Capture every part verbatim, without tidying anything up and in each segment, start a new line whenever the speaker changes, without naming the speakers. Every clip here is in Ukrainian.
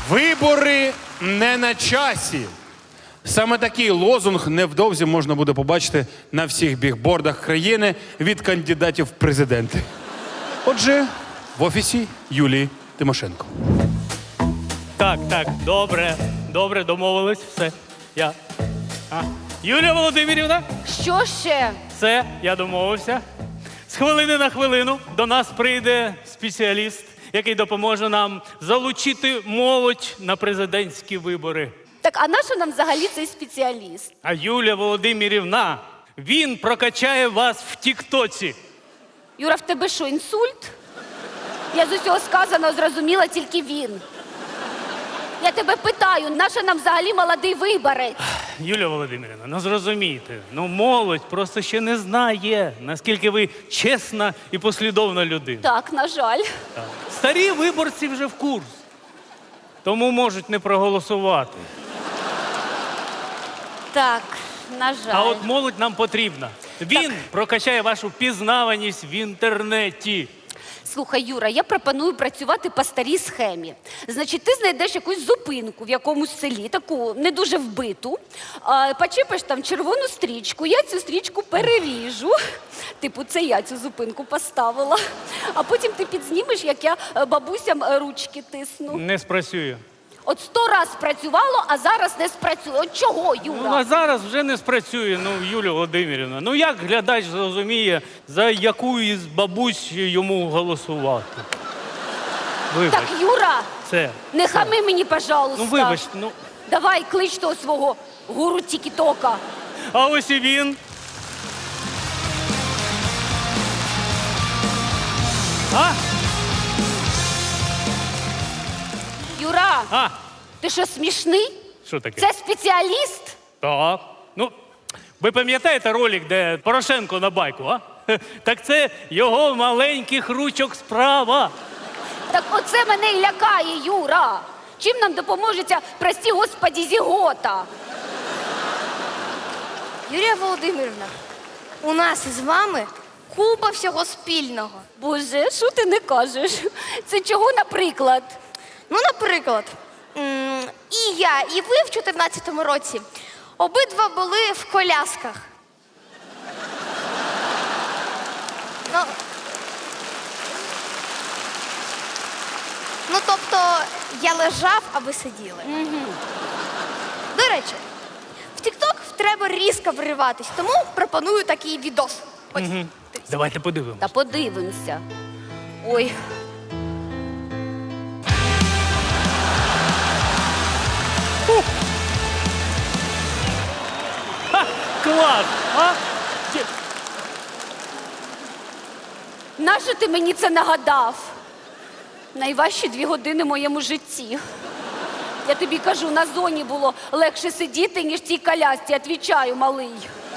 Вибори не на часі. Саме такий лозунг невдовзі можна буде побачити на всіх бігбордах країни від кандидатів в президенти. Отже, в офісі Юлії Тимошенко.
Так, так, добре, добре, домовились, все. Я. А. Юлія Володимирівна,
Що ще?
все, я домовився. З хвилини на хвилину до нас прийде спеціаліст, який допоможе нам залучити молодь на президентські вибори.
Так, а на що нам взагалі цей спеціаліст?
А Юлія Володимирівна, він прокачає вас в Тіктоці.
Юра, в тебе що, інсульт? Я з усього сказаного зрозуміла тільки він. Я тебе питаю, на що нам взагалі молодий виборець?
Юлія Володимирівна, ну зрозумійте, ну молодь просто ще не знає, наскільки ви чесна і послідовна людина.
Так, на жаль.
Так. Старі виборці вже в курс, тому можуть не проголосувати.
Так, на жаль.
А от молодь нам потрібна. Він прокачає вашу пізнаваність в інтернеті.
Слухай, Юра, я пропоную працювати по старій схемі. Значить, ти знайдеш якусь зупинку в якомусь селі, таку не дуже вбиту, а, почепиш там червону стрічку, я цю стрічку переріжу. Типу, це я цю зупинку поставила. А потім ти підзнімеш, як я е, бабусям е, ручки тисну.
Не спрацює.
От сто раз спрацювало, а зараз не спрацює. От чого,
Ну,
Юра?
а зараз вже не спрацює, ну, Юлія Володимирівна. Ну, як глядач зрозуміє, за яку із бабусь йому голосувати? Вибач,
Так, Юра,
це.
не хами мені, пожалуйста.
Ну, вибач, ну.
Давай, клич того свого гуру Тік-Тока.
А ось і він. А?
Юра,
А?
ти що, смішний?
Що таке?
Це спеціаліст?
Так. Ну, ви пам'ятаєте ролик, де Порошенко на байку, а? Так це його маленьких ручок справа.
Так оце мене і лякає, Юра. Чим нам допоможе ця, прості господі, зігота?
Юлія Володимирівна, у нас із вами купа всього спільного.
Боже, що ти не кажеш? Це чого, наприклад?
Ну, наприклад, м, і я, і ви в чотирнадцятому році обидва були в колясках. Ну, ну тобто, я лежав, а ви сиділи.
Угу.
До речі, в TikTok треба різко вриватись, тому пропоную такий відос. Ось.
Угу.
дивіться.
Давайте подивимось.
Та подивимося. Ой.
Ха, клас! А? Чи-
Нащо ти мені це нагадав? Найважчі дві години в моєму житті. Я тобі кажу, на зоні було легше сидіти, ніж в цій колясці. Отвічаю, малий.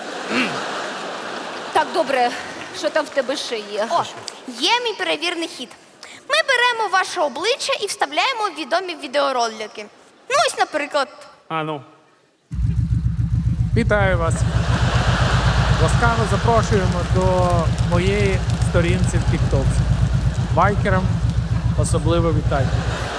Так, добре, що там в тебе ще є?
О, є мій перевірний хід. Ми беремо ваше обличчя і вставляємо в відомі відеоролики. Ну, ось, наприклад,
А ну.
Вітаю вас. Ласкаво запрошуємо до моєї сторінці в TikTok. Байкерам особливо вітання.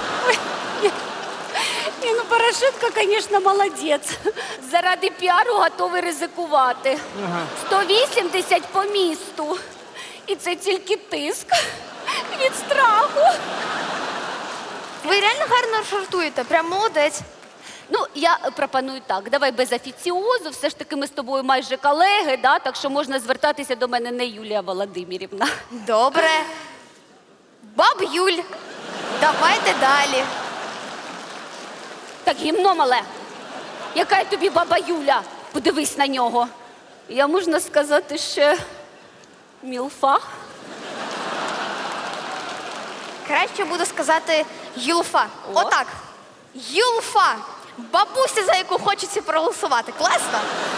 Ні, ну Порошенко, звісно, молодець. Заради піару готовий ризикувати. сто вісімдесят по місту. І це тільки тиск від страху.
ви реально гарно жартуєте, прям молодець.
Ну, я пропоную так, давай без офіціозу, все ж таки ми з тобою майже колеги, да? Так що можна звертатися до мене не Юлія Володимирівна.
Добре. Баб Юль, давайте далі.
Так, гімно мале, яка я тобі баба Юля? Подивись на нього. Я, можна сказати, ще мілфа.
Краще буду сказати Юлфа.
О.
Отак. Юлфа. Бабуся, за яку хочеться проголосувати. Класно?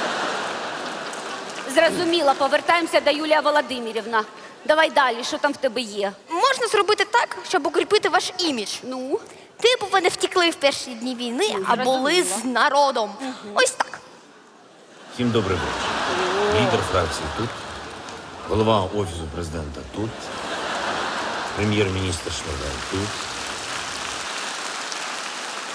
Зрозуміла, повертаємося до Юлія Володимирівна. Давай далі, що там в тебе є?
Можна зробити так, щоб укріпити ваш імідж.
Ну?
Типу ви не втекли в перші дні війни,
Ну,
а були
зрозуміла.
з народом. Ось так.
Всім добрий вечір. Лідер фракції тут, голова Офісу президента тут, прем'єр-міністр Шмигаль тут.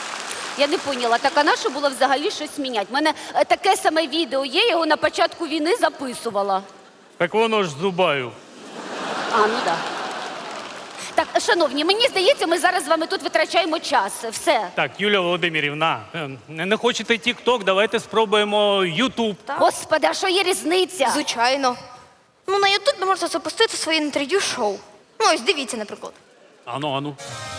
Я не поняла, так а на що було взагалі щось міняти? У мене е, таке саме відео є, я його на початку війни записувала.
Так воно ж зубаю.
А, ну так. Так, шановні, мені здається, ми зараз з вами тут витрачаємо час. Все.
Так, Юлія Володимирівна, е, не не хочете тік-ток, давайте спробуємо Ютуб.
Господи, а що є різниця?
Звичайно. Ну, на Ютубі можна запустити своє інтерв'ю-шоу. Ну, ось дивіться, наприклад.
Ану, ану.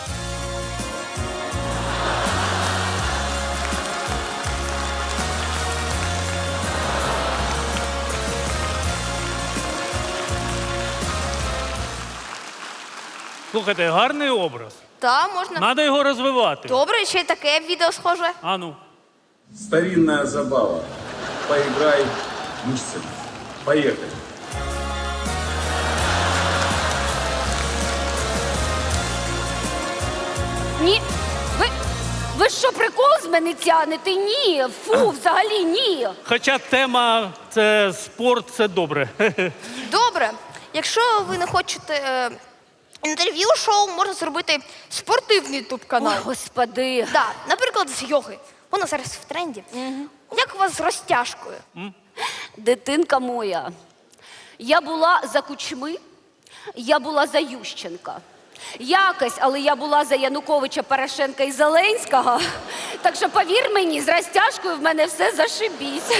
Слухайте, гарний образ.
Та, можна.
Надо його розвивати.
Добре, ще й таке відео схоже.
Ану.
Старинная забава. Поиграй мышцами. Поехали.
Ні. Ви, ви що, прикол з мене тянете? Ні. Фу, взагалі ні.
Хоча тема це спорт, це добре.
Добре. Якщо ви не хочете е, інтерв'ю-шоу, можна зробити спортивний
Ой,
ютуб-канал.
господи.
Да, наприклад, з йоги. Воно зараз в тренді. Як у вас з розтяжкою?
Дитинка моя, я була за Кучми, я була за Ющенка. Якось, але я була за Януковича, Порошенка і Зеленського. Так що, повір мені, з розтяжкою в мене все зашибісь.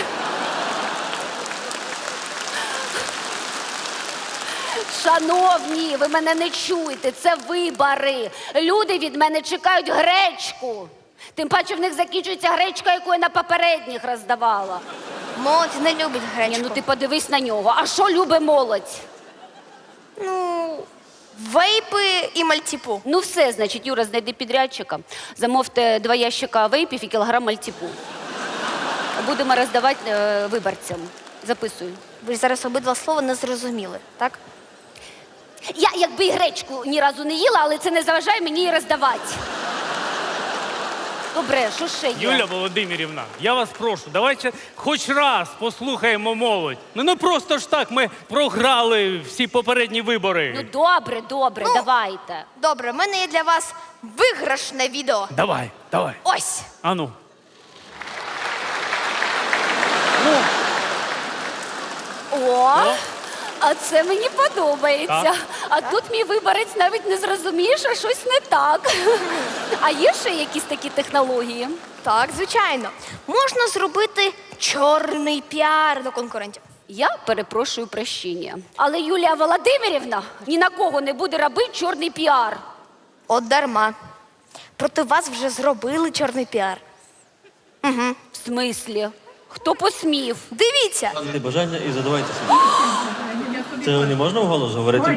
Шановні, ви мене не чуєте, це вибори. Люди від мене чекають гречку. Тим паче в них закінчується гречка, яку я на попередніх роздавала.
Молодь не любить
Ні,
гречку.
ну ти подивись на нього. А що любить молодь?
Ну, вейпи і мальтіпу.
Ну все, значить, Юра, знайди підрядчика. Замовте два ящика вейпів і кілограм мальтіпу. Будемо роздавати е, виборцям. Записую.
Ви ж зараз обидва слова не зрозуміли, так?
Я якби і гречку ні разу не їла, але це не заважає мені її роздавати. Добре, що ще є?
Юля Володимирівна, я вас прошу, давайте хоч раз послухаємо молодь. Ну не просто ж так, ми програли всі попередні вибори.
Ну добре, добре,
Ну.
давайте.
Добре, в мене є для вас виграшне відео.
Давай, давай.
Ось.
Ану.
О, а це мені подобається.
Так.
А тут мій виборець навіть не зрозуміє, що щось не так. А є ще якісь такі технології?
Так, звичайно. Можна зробити чорний піар до конкурентів.
Я перепрошую прощення. Але Юлія Володимирівна ні на кого не буде робити чорний піар.
От дарма. Проти вас вже зробили чорний піар.
В смислі? Хто посмів?
Дивіться.
Майте бажання і задавайте собі. Це не можна вголос говорити?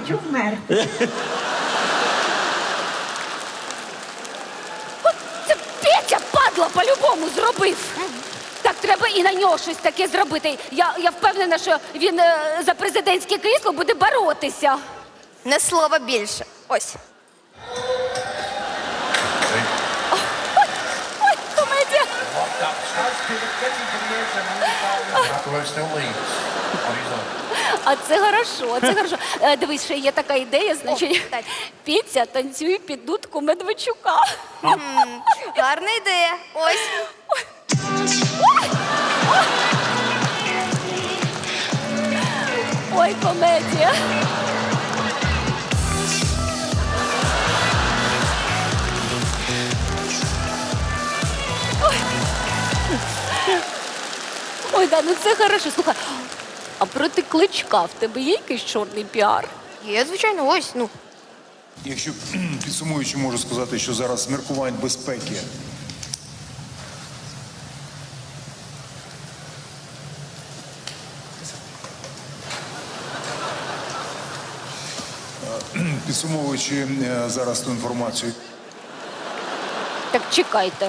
От це Петя, падла, по-любому зробив. Так, треба і на нього щось таке зробити. Я, я впевнена, що він е, за президентське крісло буде боротися.
Не слова більше. Ось.
Ой, комедія. А це хорошо, це хорошо. Е, дивись, ще є така ідея, значить,
О, так.
Петя танцює під дудку Медведчука.
Гарна ідея. Ось.
Ой, комедія. Ой. Ой, да, ну це хорошо. Слухай, а проти Кличка в тебе є якийсь чорний піар?
Є, звичайно, ось. Ну.
Якщо підсумуючи, можу сказати, що зараз з міркувань безпеки підсумовуючи е, зараз ту інформацію,
Так чекайте.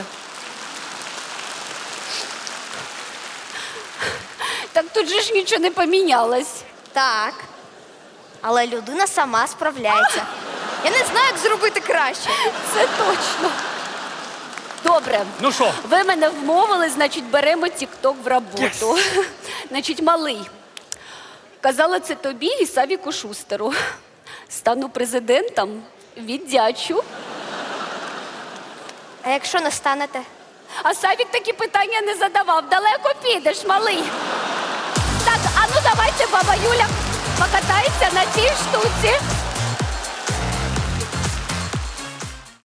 Так тут же ж нічого не помінялось.
Так. Але людина сама справляється. Я не знаю, як зробити краще.
Це точно. Добре.
Ну що?
Ви мене вмовили, значить, беремо тік-ток в роботу. Значить, малий. Казала це тобі і Савіку Шустеру. Стану президентом, віддячу.
А якщо не станете?
А Савік такі питання не задавав. Далеко підеш, малий. Так, а ну давайте баба Юля покатається на цій штуці.